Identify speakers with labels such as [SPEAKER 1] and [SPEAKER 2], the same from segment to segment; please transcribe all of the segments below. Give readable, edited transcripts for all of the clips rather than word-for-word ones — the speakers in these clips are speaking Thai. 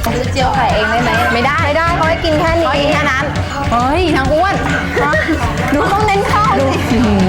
[SPEAKER 1] ซื้อเจียวไข่เองได้ไหม
[SPEAKER 2] ไม่ได้เขาให้กินแค่นี้
[SPEAKER 1] แค่นั้นเฮ้ยนางอ้วนดูต้องเน้นข้าวสิ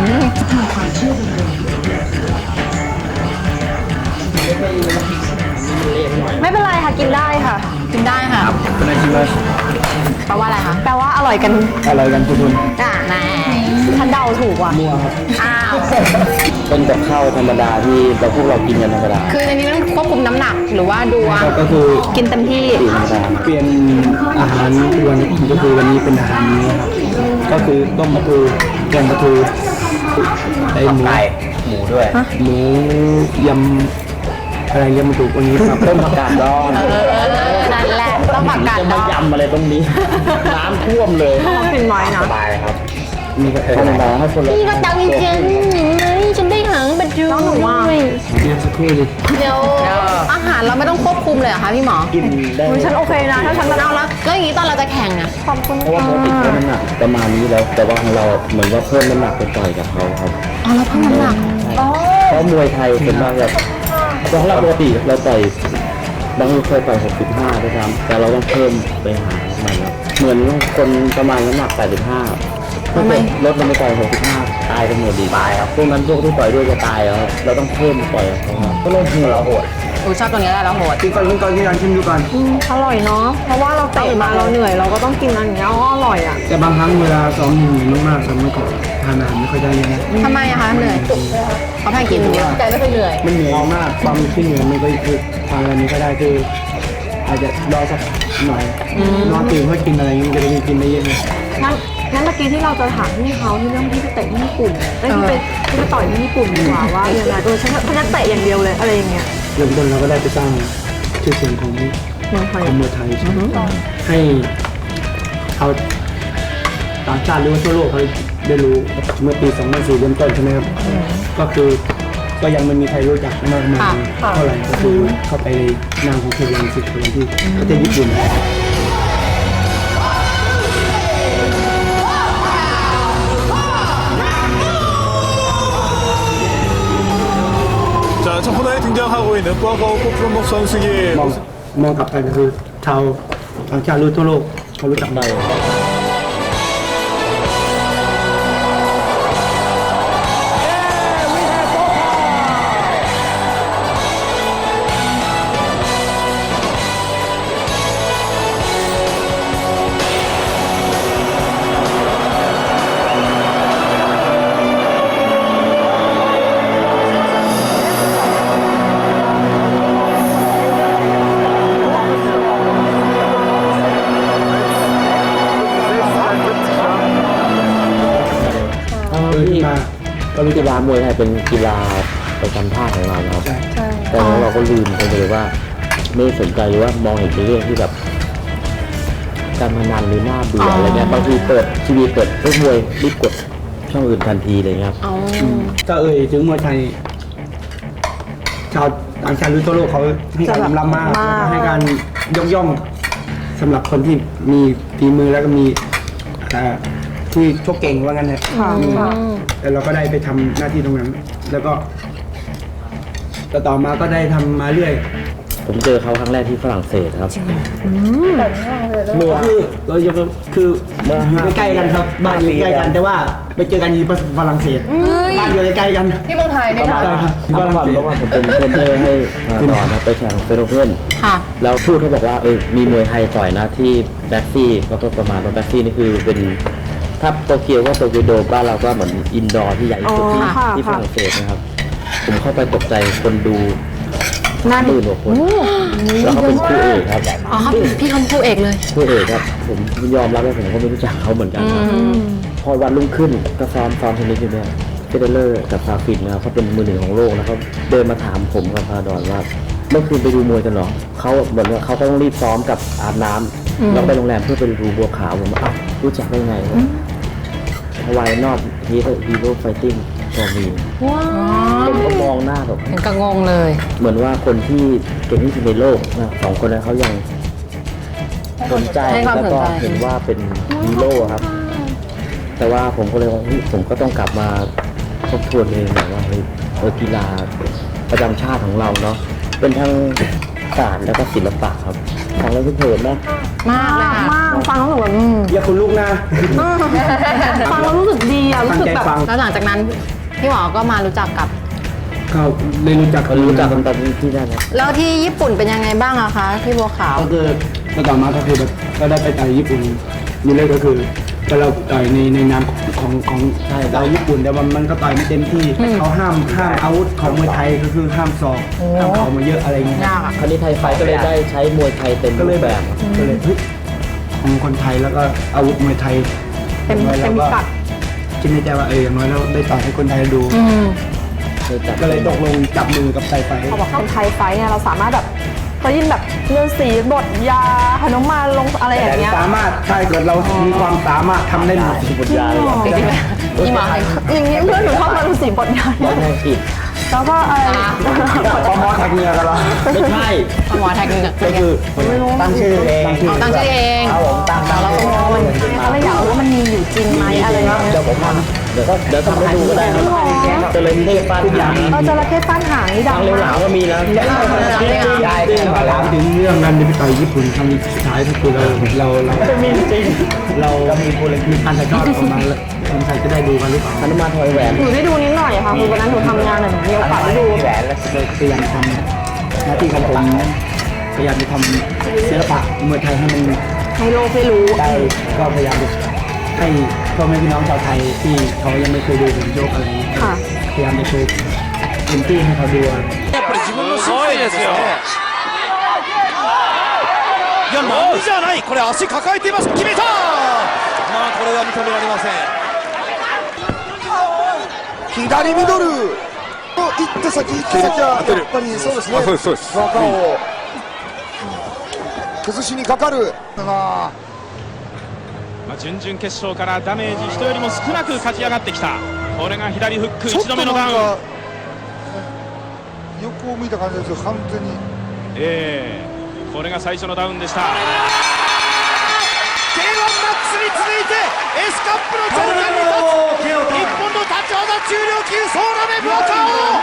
[SPEAKER 2] ไม่เป็นไรค่ะกินได้ค่ะ
[SPEAKER 1] กินได้ค่ะ
[SPEAKER 3] เป็นอะไรที่ว่า
[SPEAKER 1] แปลว่าอะไรคะ
[SPEAKER 2] แปลว่าอร่อยกัน
[SPEAKER 3] อะไรกันทุกคน
[SPEAKER 1] แหม
[SPEAKER 2] ฉันเดาถูกว่ะ
[SPEAKER 3] มั่วครับ
[SPEAKER 1] อ้าว
[SPEAKER 3] เป็นกับข้าวธรรมดาที่พวกเรากินกันธรรมดา
[SPEAKER 1] คือในนี้ต้องควบคุมน้ำหนักหรือว่าดูว่า
[SPEAKER 3] ก็คือ
[SPEAKER 1] กินเต็มที่
[SPEAKER 3] ธรรมดาเปลี่ยนอาหารวันก็คือวันนี้เป็นอาหารนี้ครับก็คือต้มปลาทูแกงปลาทูไอหมูด้วยหมูยำอะไรเรียกมันถูกวันนี้ครับต้มผักกาดดอง
[SPEAKER 1] นั่นแหละต้องผักกาด
[SPEAKER 3] จะ
[SPEAKER 1] ด
[SPEAKER 3] มา
[SPEAKER 1] อง
[SPEAKER 3] ยำอะไรตรงนี้ น้ำท่วมเลย
[SPEAKER 2] เป็นไม้นะ
[SPEAKER 3] สบายครับมีกระเทียมให้คนละ
[SPEAKER 1] นี่ก็ตังจริงไหมฉันได้หางบัตรด้วย
[SPEAKER 3] เดี๋ยวสักครู่ดิ
[SPEAKER 1] เดี๋ยวอาหารเราไม่ต้องควบคุมเลยเหรอคะพี่หมอ
[SPEAKER 3] กินได้
[SPEAKER 2] ฉันโอเคนะถ้าฉัน
[SPEAKER 1] เอาแล้วก็อย่างนี้ตอนเราจะแข่งอะ
[SPEAKER 2] ขอบคุณ
[SPEAKER 3] เพราะว่าปกติเขาน้ำหนักประมาณนี้แล้ว แต่ว่าของเราเหมือนว่าเพิ่มน้ำหนักไปต่อยกับเขาครับ
[SPEAKER 1] อ๋อเราเพิ่มน้ำหนัก
[SPEAKER 3] เพราะมวยไทยเป็นมากแบบของเราปกติเราต่อยบางคนเคยต่อย65ด้วยซ้ำแต่เราต้องเพิ่มไปหามันครับเหมือนคนประมาณน้ำหนัก85ถ้าเกิดลดลงไปต่อย65ตายกันหมดดีตายครับพวกนั้นพวกที่ต่อยด้วยจะตายครับเราต้องเพิ่มต่อยเขาครับก็ลงหัวเราโหด
[SPEAKER 1] ชอบตัวนี้ได้แล้วโหด
[SPEAKER 3] กินก่อนชิมดูก่อน
[SPEAKER 2] อร่อยเนาะเพราะว่าเราเตะมาเราเหนื่อยเราก็ต้องกินอันนี้ก็อร่อยอ่ะ
[SPEAKER 3] แต่บางครั้งเวลาซ้อมเหนื่อยมากๆทำไม่ก่อนทานอาหารไม่ค่อยได้เลยนะ
[SPEAKER 1] ทำไมอะคะเหนื่อยเขาแพ้กินใจไม่เคยเหนื่อย
[SPEAKER 3] มันเหนื่อยมากความที่เหนื่อยมันก็คือทานอะไรนี้ก็ได้คืออาจจะรอสักหน่อยนอนตื่นเพื่อกินอะไรนี้จะได้กินได้เยอะเลย
[SPEAKER 2] งั้นเมื่อกี้ที่เราจะถามพี่เขาที่เรื่องที่ไปเตะที่ญี่ปุ่นที่ไปต่อยที่ญี่ปุ่นดีกว่าว่ายังไงฉันจะเตะอย่างเดียวเลยอะไรอย่างเงี้ย
[SPEAKER 3] เริ่มต้นเราก็ได้ไปสร้างชื่อเสียงของ
[SPEAKER 2] เมืองไทย
[SPEAKER 3] มวยไทยให้เอาต่างชาติหรือว่าทั่วโลกเขาได้รู้เมื่อปี 2004 เริ่มต้นใช่ไหมครับก็คือก็ยังไม่มีใครรู้จักมากมายเท่าไหร่ก็คือเข้าไปในนามของเควันสิทธิ์ที่ประเทศญี่ปุ่น
[SPEAKER 4] 자, 첫 코너에 등장하고 있는 꽝꽝 코프로목 선수의
[SPEAKER 3] มองกลับไปก็คือชาวต่างชาติรู้ทั่วโลกเขารู้จักได้
[SPEAKER 5] ที่ก็กีฬามวยไทยเป็นกีฬาประจำชาติของเรานะครับแต่เราก็ลืมไปเลยว่าไม่สนใจหรือว่ามองเห็นเป็นเรื่องที่แบบการพนันหรือหน้าเบื่ออะไรเงี้ยบางทีเปิดทีวีเปิดเรื่องมวยรีบกดช่องอื่นทันทีเลยครับ
[SPEAKER 3] ถ้าถึงมวยไทยชาวต่างชาติรู้ทั่วโลกเขาให้การยอมรับมากให้การยกย่องสำหรับคนที่มีฝีมือแล้วก็มีที่ชกเก่งว่างั้นเถอะแต่เราก็ได้ไปทำหน้าที่ตรงนั้น แล้วก็ต่อมาก็ได้ทำมาเรื่อย
[SPEAKER 5] ผมเจอเขาครั้งแรกที่ฝรั่งเศสครับ
[SPEAKER 3] หมวกเราจะคืออยู่ใกล้ๆกันครับบ้านอยู่ใกล้กันแต่ว่าไปเจอกันที่ฝรั่งเศสบ้านอยู่ใกล้ๆกัน
[SPEAKER 1] ที่เมืองไทยเนี่ย
[SPEAKER 3] ใช่ครับ
[SPEAKER 5] เพราะว่าผมเป็นเทรนเนอร์ให้ต่อนะไปแข่งเฟโรเพื่อน
[SPEAKER 1] ค่ะ
[SPEAKER 5] แล้วทูตเขาบอกว่ามีมวยไทยต่อยนะที่แบ็กซี่ก็ประมาณว่าแบ็กซี่นี่คือเป็นถ้าโตเกียวก็โตเกียวโดมบ้านเราก็เหมือนอินดอร์ที่ใหญ่ที่สุดที่ฝรั่งเศสนะครับผมเข้าไปตกใจคนดูตื่นกว่าคนแล้วเขาเป็นคู่เอกครับ
[SPEAKER 1] อ๋อเขาพี่เขาคู่เอกเลย
[SPEAKER 5] คู่เอกครับผมยอมรับว่าผมก็ไม่รู้จักเขาเหมือนกันครับพอวันรุ่งขึ้นก็ซ้อมเทนนิสอยู่เนี่ยเฟเดเลอร์กับซาฟินนะครับเขาเป็นมือหนึ่งของโลกแล้วเขาเดินมาถามผมกับพาดอนว่าเมื่อคืนไปดูมวยกันเหรอเขาเหมือนว่าเขาต้องรีบซ้อมกับอาบน้ำแล้วไปโรงแรมเพื่อไปดูบัวขาวผมว่ารู้จักได้ไงฮาวายนอตฮีโร่ไฟติ้งก็มีผมก็มองหน้าแบบ
[SPEAKER 1] เห็นกระงงเลย
[SPEAKER 5] เหมือนว่าคนที่เก่งที่สุดในโลกนะสองคนนั้นเขายังสนใจแล้วก็เห็นว่าเป็นฮีโร่ครับ แต่ว่าผมก็เลยว่าผมก็ต้องกลับมาทบทวนเองแบบว่ากีฬาประจำชาติของเราเนาะเป็นทั้งศาสตร์แล้วก็ศิลปะครับฟังแล้วทุกเผินนะ
[SPEAKER 1] มากเลยค่ะ
[SPEAKER 2] มากฟังแล้วแบบ
[SPEAKER 3] อย่าคุณลูกนะ
[SPEAKER 2] ฟังแล้วรู้สึกดีอะรู้
[SPEAKER 3] ตั้ง
[SPEAKER 2] สึก
[SPEAKER 3] ใจ
[SPEAKER 2] แบบ
[SPEAKER 3] ฟัง
[SPEAKER 1] แล้วหลังจากนั้นพี่หมอก็มารู้จักกับ
[SPEAKER 3] ก็ได้รู้จัก
[SPEAKER 5] เขารู้จักกันตอนที่นั่นนะ
[SPEAKER 1] แล้วที่ญี่ปุ่นเป็นยังไงบ้างอะคะพี่บัวขาว
[SPEAKER 3] ก็คือก็ต่อมาก็คือแบบก็ได้ไปต่อยญี่ปุ่นนี่เลยก็คือก็เราต่อยในนามของเราญี่ปุ่นแต่ว่ามันก็ต่อยไม่เต็มที่เขาห้ามอาวุธของมวยไทยก็คือห้ามศอกห้ามเข่ามาเยอะอะไรเงี้ย
[SPEAKER 1] ยากอะ
[SPEAKER 5] คราวนี้ไทยไฟท์ก็เลยได้ใช้มวยไทยเต็ม
[SPEAKER 3] ก็เล
[SPEAKER 5] รู
[SPEAKER 3] ย
[SPEAKER 5] ป
[SPEAKER 3] แบ
[SPEAKER 5] แบบ บ
[SPEAKER 3] ก็เลยเฮ้ยของคนไทยแล้วก็อาวุธมวยไทย
[SPEAKER 2] เต็ม
[SPEAKER 3] อย่างน้อย
[SPEAKER 2] เต็ม
[SPEAKER 3] ราก็
[SPEAKER 2] กัด
[SPEAKER 3] คิดในใจว่าอย่างน้อยเราได้ต่อยให้คนไทยดู
[SPEAKER 5] เลยจัด
[SPEAKER 3] ก็เลยตกลงจับมือกับไทยไฟ
[SPEAKER 2] เขาบอกคนไทยไฟท์เนี่ยเราสามารถแบบก็ยินแบบเลือดสีบทยาหนุมานลงอะไรอย่างเงี้ย
[SPEAKER 3] สามารถถ้าเกิดเรามีความสามารถทำได้หมด
[SPEAKER 5] บทยาเลย
[SPEAKER 1] จริงๆแล้วพี่หมอ
[SPEAKER 2] อย่างนี้เพื่อนหนูชอบมาฤาษีบทยา
[SPEAKER 5] บอลแทงกิจ
[SPEAKER 2] แล้วก็อะไร
[SPEAKER 3] ปมอแท็กเนื้อกันเหรอ
[SPEAKER 5] ไม่ใช่
[SPEAKER 1] หมอแท็กนึงอะ
[SPEAKER 3] ก็คือตั้งชื่อเอง
[SPEAKER 1] เอาตั้งชื่อเอง
[SPEAKER 3] ครับผมตั้ง
[SPEAKER 1] เราก็งง
[SPEAKER 2] เขาเลยอยากรู้ว่ามันมีอยู่จริงไหมอะไรอย่างเงี้ย
[SPEAKER 3] เดี๋ยวผมท
[SPEAKER 5] เดี๋ยวทำให้ดูก็ได้ครับเจริญเทพฟาดหาง
[SPEAKER 2] จระเข้ฟันหางนี่ดั
[SPEAKER 5] ทาง งเร็วห
[SPEAKER 2] มา
[SPEAKER 5] ลาก วก็มีนะ
[SPEAKER 3] ได้แต่ถามถึงเรื่องนั้นไปต่อยญี่ปุ่นครั้งสุดท้ายก็คือเรามีจริงเรามีโปรเล็กมีการถ่ายทอดออกมาแล้วคนไทยจะได้ดูกันหรือเปล่า
[SPEAKER 5] ฮนุมานถอยแหวน
[SPEAKER 2] หนูได้ดูนิดหน่อยค่ะคือวันนั้นหนูทำงานหนูมีโอกาสได้ดู
[SPEAKER 3] แหวนแล้วพยายามทำหน้าที่ของผมพยายามจะทำศิลปะมวยไทยให้มัน
[SPEAKER 2] ให้โลกได้รู้
[SPEAKER 3] ได้ก็พยายามจะให้พ่อแม่พี่น้องชาวไทยที่เขายังไม่เคยดูผมโยกอะไรอย่างเงี้ย
[SPEAKER 2] ค่ะ
[SPEAKER 3] พยายามจะโชว์เต็มที่ให้เขาดู
[SPEAKER 4] やっぱり自分のすごいですよいやなんじゃないこれ足抱えています決めたまあこれは認められません
[SPEAKER 6] 左ミドル行って先行って先はやっぱりそうですね
[SPEAKER 4] そうです
[SPEAKER 6] 技を崩しにかかるな
[SPEAKER 7] 準々決勝からダメージ人よりも少なく勝ち上がってきたこれが左フック1
[SPEAKER 6] ちょっと
[SPEAKER 7] 度目のダウン
[SPEAKER 6] なんか横を向いた感じですけど完全に
[SPEAKER 7] これが最初のダウンでした
[SPEAKER 4] K1 マックスに続いて S カップの頂点に立つ日本の立ち技重量級ソーラメブアカ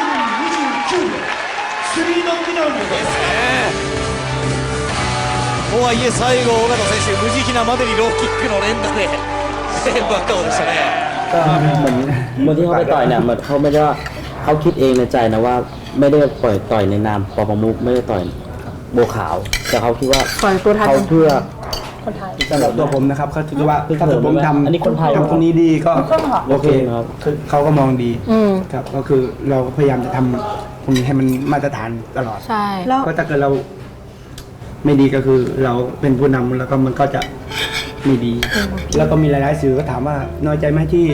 [SPEAKER 4] オですねとはいえ最後尾形選手無慈悲なまでにローキックの連打でブアカオでしたね
[SPEAKER 5] ก็เหมือนที่เขาไปต่อยเนี่ยเหมือนเขาไม่ได้ว่าเขาคิดเองในใจนะว่าไม่ได้ปล่อยต่อยในนามปปมุกไม่ได้ต่อยโบวขาว แต่เขาคิดว่า
[SPEAKER 2] ต่อยตัวไทย
[SPEAKER 5] เขาเพื่อ
[SPEAKER 3] สำหรับตัวผมนะครับเขาถือว่าถ้าผมทำ
[SPEAKER 5] อันนี้คนไทย
[SPEAKER 3] ทำตรงนี้ดีก็โอเค
[SPEAKER 5] ครับ
[SPEAKER 3] เขาก็มองดีครับก็คือเราพยายามจะทำตรงนี้ให้มันมาตรฐานตลอด
[SPEAKER 1] ใช่
[SPEAKER 2] แล้ว
[SPEAKER 3] ก็ถ้าเกิดเราไม่ดีก็คือเราเป็นผู้นำแล้วก็มันก็จะไม่ดี แล้วก็มีหลายๆสื่อก็ถามว่าน้อยใจไหมที่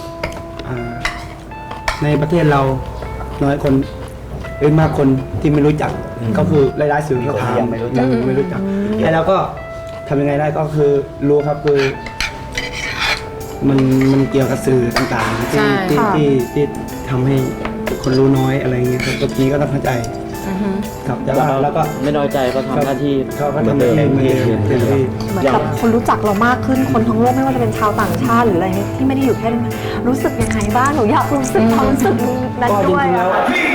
[SPEAKER 3] ในประเทศเราน้อยคนมากคนที่ไม่รู้จักก็คือหลายๆสื่อก็ถามไม่รู้จักไอ้เราก็ทำยังไงได้ก็คือรู้ครับคือมันเกี่ยวกับสื่อต่างๆที่ทำให้คนรู้น้อยอะไรเงี้ยครับตรงนี้ก็ต้องเข้าใจครับแต่ว่าแล้วก็
[SPEAKER 5] ไม่น้อยใจเขาทำหน้าที่
[SPEAKER 3] เขาก็
[SPEAKER 5] เหมือน
[SPEAKER 3] ทำ
[SPEAKER 5] เดิม
[SPEAKER 3] เองเหมือนเดิม
[SPEAKER 5] ที่
[SPEAKER 3] เต็มที่
[SPEAKER 2] เหมือนกับคนรู้จักเรามากขึ้นคนทั้งโลกไม่ว่าจะเป็นชาวต่างชาติหรืออะไรที่ไม่ได้อยู่แค่นั้นรู้สึกยังไงบ้างหนูอยากรู้สึกความรู้สึกนั้น
[SPEAKER 3] ก็จ
[SPEAKER 2] ด้วย
[SPEAKER 3] ริงๆแล้ว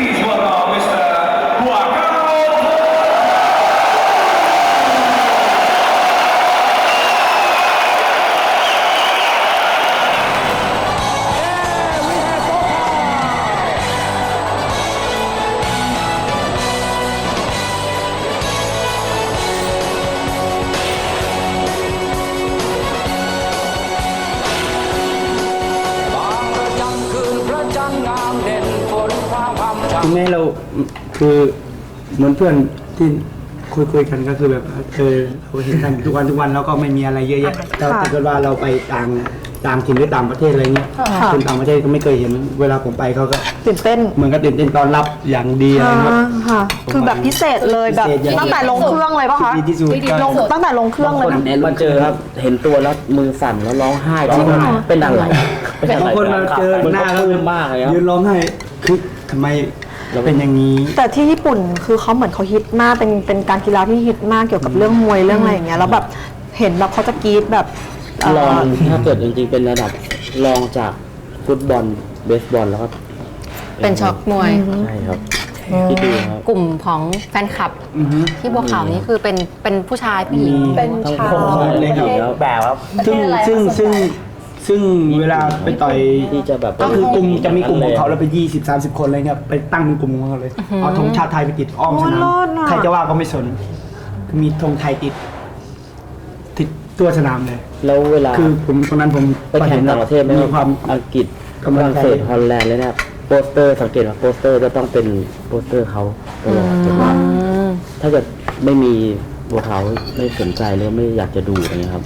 [SPEAKER 3] คุณแม่เราคือเหมือนเพื่อนที่คุยกันก็คือแบบเราเห็นกันทุกวันแล้วก็ไม่มีอะไรเยอะแยะแต่ถ้าเกิดว่าเราไปต่างถิ่นหรือต่างประเทศอะไรเงี้ยคนต่างประเทศก็ไม่เคยเห็นเวลาผมไปเขาก็
[SPEAKER 2] ตื่นเต้น
[SPEAKER 3] เหมือนกับตื่นเต้นตอนรับอย่างดีอะไรครับ
[SPEAKER 2] ค่ะคือแบบพิเศษเลยแบบตั้งแต่ลงเครื่องเลยป่ะคะ
[SPEAKER 3] ดีที่สุดก็
[SPEAKER 2] ลงตั้งแต่ลงเครื่องเลย
[SPEAKER 5] คน
[SPEAKER 2] นะ
[SPEAKER 5] มาเจอครับเห็นตัวแล้วมือสั่นแล้วร้องไห้เป็นอะไร
[SPEAKER 3] บางคนมาเจอหน้า
[SPEAKER 5] เขา
[SPEAKER 3] แล้ว
[SPEAKER 5] ปลื้มมากเลยครับ
[SPEAKER 3] ยืนร้องไห้คือทำไมเป็นอย่างนี้
[SPEAKER 2] แต่ที่ญี่ปุ่นคือเขาเหมือนเขาฮิตมากเป็นการกีฬาที่ฮิตมากเกี่ยวกับเรื่องมวยเรื่องอะไรอย่างเงี้ยแล้วแบบเห็นแบบเขาจะกรี๊ดแบบ
[SPEAKER 5] ลองถ้าเกิดจริงๆเป็นระดับรองจากฟุตบอลเบสบอลแล้วก็
[SPEAKER 1] เป็นช็อกมวย
[SPEAKER 5] ใช่ครับ
[SPEAKER 3] แท
[SPEAKER 5] ที่ดูครับ
[SPEAKER 1] กลุ่มของแฟนคลับ
[SPEAKER 3] อือฮึ
[SPEAKER 1] ที่บัวขาวนี่คือเป็นผู้ชายผู้หญิง
[SPEAKER 2] เป็น
[SPEAKER 5] ทั้ง
[SPEAKER 2] ชา
[SPEAKER 5] พ่อ
[SPEAKER 2] ว
[SPEAKER 3] เลยครับ
[SPEAKER 5] แบบครับ
[SPEAKER 3] ซึ่งเวลาไปต่อย
[SPEAKER 5] ที่จะแบบ
[SPEAKER 3] ก็คือกลุ่มจะมีกลุ่มของเขาแล้วไป20-30 คนเลยเนี่ยไปตั้งเป็นกลุ่มของเขาเลยเอาธงชาติไทยไปติดอ้อมสนามใครจะว่าก็ไม่สนมีธงไทยติดตัวสนามเลย
[SPEAKER 5] แล้วเวลา
[SPEAKER 3] คือผมตอนนั้นผม
[SPEAKER 5] ไปแข่งต่างประเทศไหม
[SPEAKER 3] มีความ
[SPEAKER 5] อังกฤษ
[SPEAKER 3] กำ
[SPEAKER 5] ฝ
[SPEAKER 3] ลัง
[SPEAKER 5] รั่ง
[SPEAKER 3] ใจ
[SPEAKER 5] เศสฮอลแลนด์เลยเนี่ยโปสเตอร์สังเกตว่าโปสเตอร์จะต้องเป็นโปสเตอร์เขาตลอดแต่ว่าถ้าเกิดไม่มีบัวขาวไม่สนใจหรือไม่อยากจะดูอะไรเงี้ยครับ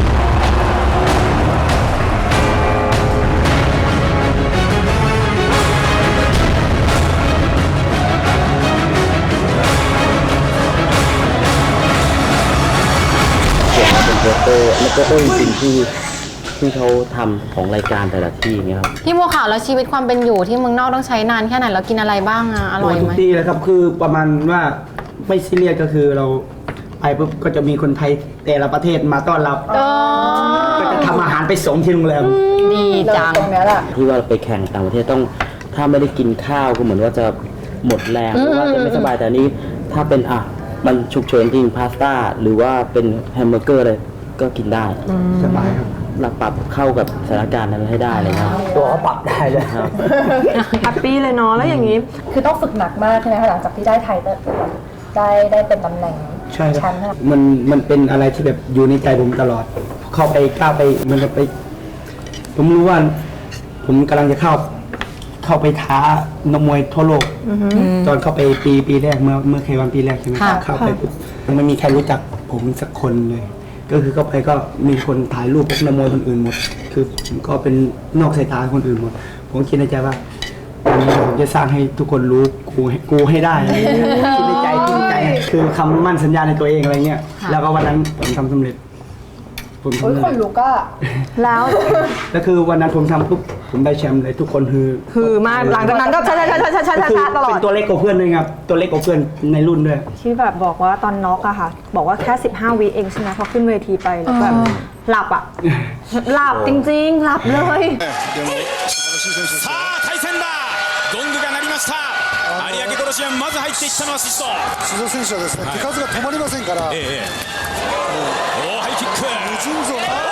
[SPEAKER 5] เขียนมาเป็นโปสเตอร์แล้วก็จริงๆที่เขาทำของรายการแต่ละที่อย่างเงี้ยครับ
[SPEAKER 1] พี่บัวขาวแล้วชีวิตความเป็นอยู่ที่เมืองนอกต้องใช้นานแค่ไหนแล้วกินอะไรบ้างอะอร่อย
[SPEAKER 3] ทุ
[SPEAKER 1] ไห
[SPEAKER 3] ก
[SPEAKER 1] ม
[SPEAKER 3] ที่เลยครับคือประมาณว่าไม่ซีเรียสก็คือเราไปปุ๊บก็จะมีคนไทยแต่ละประเทศมาต้อนรับ ก็จะทำอาหารไปส่งที่โรงแรม
[SPEAKER 1] ดีจัง
[SPEAKER 2] ตรงเนี้ยแหละ
[SPEAKER 5] ที่ว่าไปแข่งต่างประเทศต้องถ้าไม่ได้กินข้าวก็เหมือนว่าจะหมดแรงหรือว่าจะไม่สบายแต่อันนี้ถ้าเป็นมันฉุกเฉินจริงพาสต้าหรือว่าเป็นแฮมเบอร์เกอร์อะไรก็กินได้
[SPEAKER 3] สบายครับ
[SPEAKER 5] หลักปรับเข้ากับสถานการณ์นั้นให้ได้เลยนะ
[SPEAKER 3] ตัวเขาปรับได้เลย
[SPEAKER 5] ครับ
[SPEAKER 2] แฮปปี้เลยเนาะแล้วอย่างนี้
[SPEAKER 8] คือต้องฝึกหนักมากใช่ไหมคะหลังจากที่ได้ไทยได้เป็นตำแหน่ง
[SPEAKER 3] ใช่
[SPEAKER 8] แช
[SPEAKER 3] ครับ
[SPEAKER 8] มป์ค่ะ
[SPEAKER 3] มันเป็นอะไรที่แบบอยู่ในใจผมตลอด เข้าไปกล้าไปมันจะไป ผมรู้ว่า ผมกำลังจะเข้าไปท้านกมวยทั่วโลกตอนเข้าไปปีแรกเมื่อเควันปีแรกใช่ไหม
[SPEAKER 1] ค่ะ
[SPEAKER 3] เข้าไปปุ๊บยังไม่มีใครรู้จักผมสักคนเลย ก็คือเข้าไปก็มีคนถ่ายรูปพวกนักมวยคนอื่นหมด คือผมก็เป็นนอกสายตาคนอื่นหมด ผมคิดในใจว่าวันนี้ผมจะสร้างให้ทุกคนรู้กูให้ได้อะไรเงี้ยคิดในใจคือคำมั่นสัญญาในตัวเองอะไรเงี้ยแล้วก็วันนั้นผมทำสำเร็จ ผมทำ
[SPEAKER 8] โอ้ย
[SPEAKER 3] ได้
[SPEAKER 8] คนลุกก็
[SPEAKER 2] แล้ว
[SPEAKER 3] แล้วคือวันนั้นผมทำปุ๊บผมได้แชมป์เลยทุกคน
[SPEAKER 2] คือมากหลังจากนั้นก็ช้าๆๆๆๆ
[SPEAKER 3] ก็คือ
[SPEAKER 2] ตลอ
[SPEAKER 3] เป็
[SPEAKER 2] ด
[SPEAKER 3] นตัวเล็กกว่าเพื่อนด้วยครับตัวเล็กกว่าเพื่อนในรุ่นด้วย
[SPEAKER 2] ที่แบบบอกว่าตอนน็อกอะค่ะ บอกว่าแค่15 วิเองใช่ไหมพอขึ้นเวทีไปแล้วแบบหลับอะหลับจริงๆ หลับเลย
[SPEAKER 7] さあ対戦だゴングが鳴りました有明コロシアムまず入っていったのはシスト
[SPEAKER 6] 須藤選手はですね、手数が止まりませんから、
[SPEAKER 7] 大ハイキック
[SPEAKER 6] 無尽蔵な